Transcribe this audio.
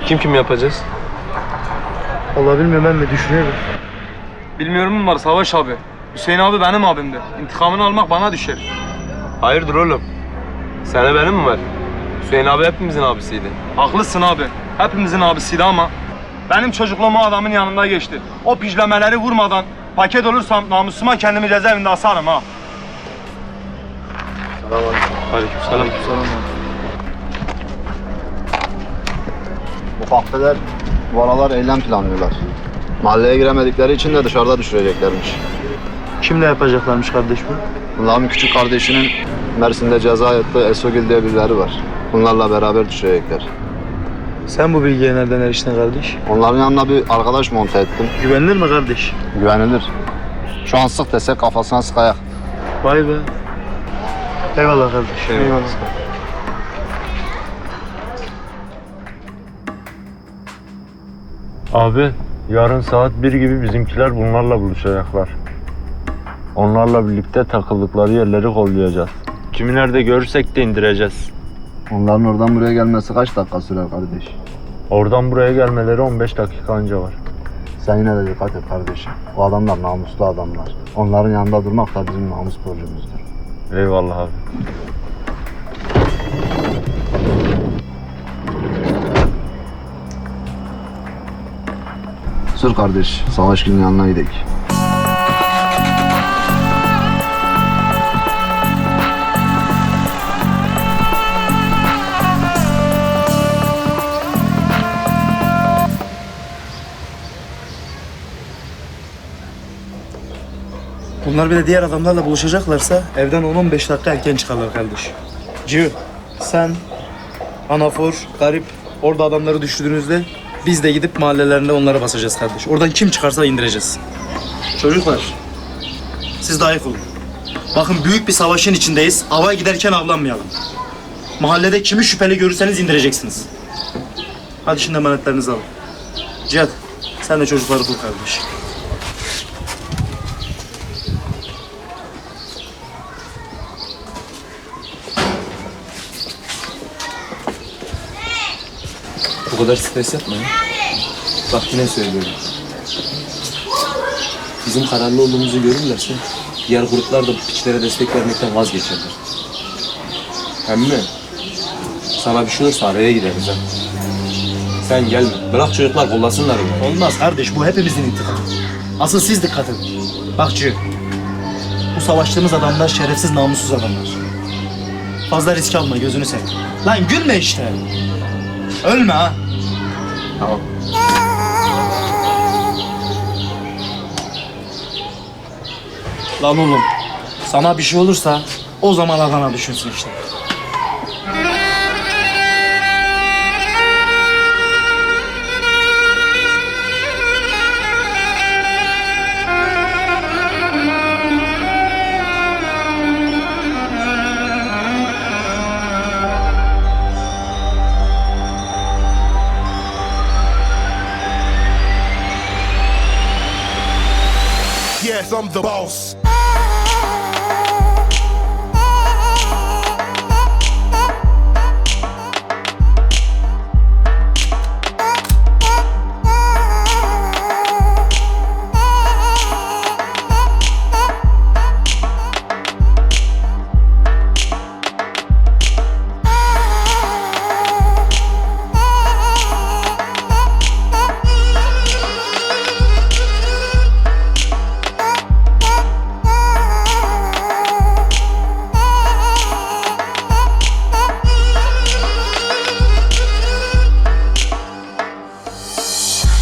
Kim kim yapacağız? Vallahi bilmiyorum, ben de düşünüyorum. Bilmiyorum mu var Savaş abi? Hüseyin abi benim abimdi. İntikamını almak bana düşer. Hayırdır oğlum? Sana benim mi var? Hüseyin abi hepimizin abisiydi. Haklısın abi. Hepimizin abisiydi ama benim çocukluğum o adamın yanında geçti. O pijlemeleri vurmadan paket olursam namusuma kendimi cezaevinde asarım ha. Aleykümselam. Bu kahveler bu aralar eylem planlıyorlar. Mahalleye giremedikleri için de dışarıda düşüreceklermiş. Kimle yapacaklarmış kardeş bu? Bunların küçük kardeşinin Mersin'de ceza yattığı Esogil diye birileri var. Bunlarla beraber düşecekler. Sen bu bilgiye nereden eriştin kardeş? Onların yanına bir arkadaş monte ettim. Güvenilir mi kardeş? Güvenilir. Şu an sık desek kafasına sıkayak. Vay be. Eyvallah kardeş. Eyvallah. Abi, yarın saat 1 gibi bizimkiler bunlarla buluşacaklar. Onlarla birlikte takıldıkları yerleri kollayacağız. Kimi nerede görürsek de indireceğiz. Onların oradan buraya gelmesi kaç dakika sürer kardeş? Oradan buraya gelmeleri 15 dakika anca var. Sen yine de dikkat et kardeşim. O adamlar namuslu adamlar. Onların yanında durmak da bizim namus borcumuzdur. Eyvallah abi. Sür kardeş, Savaş Gül'ün yanına gidelim. Bunlar bir de diğer adamlarla buluşacaklarsa evden 10-15 dakika erken çıkarlar kardeş. Cü, sen, Anafor, Garip orada adamları düşürdüğünüzde biz de gidip mahallelerinde onları basacağız kardeş. Oradan kim çıkarsa indireceğiz. Çocuklar, siz de ayık olun. Bakın büyük bir savaşın içindeyiz. Avaya giderken avlanmayalım. Mahallede kimi şüpheli görürseniz indireceksiniz. Hadi şimdi emanetlerinizi alın. Cihat, sen de çocukları bul kardeş. Bu kadar stres yapma ya. Bak yine söylüyorum. Bizim kararlı olduğumuzu görürlerse diğer gruplar da bu piçlere destek vermekten vazgeçerler. Hem mi? Sana bir şey olursa araya gideriz ha. Sen gelme. Bırak çocuklar kollasınlar onu. Olmaz kardeş, bu hepimizin intikamı. Asıl siz dikkat edin. Bak Cü, bu savaştığımız adamlar şerefsiz, namussuz adamlar. Fazla risk alma, gözünü seveyim. Lan gülme işte. Ölme ha. Tamam. Lan oğlum, sana bir şey olursa o zaman Adana düşünsün işte. Yes, I'm the boss.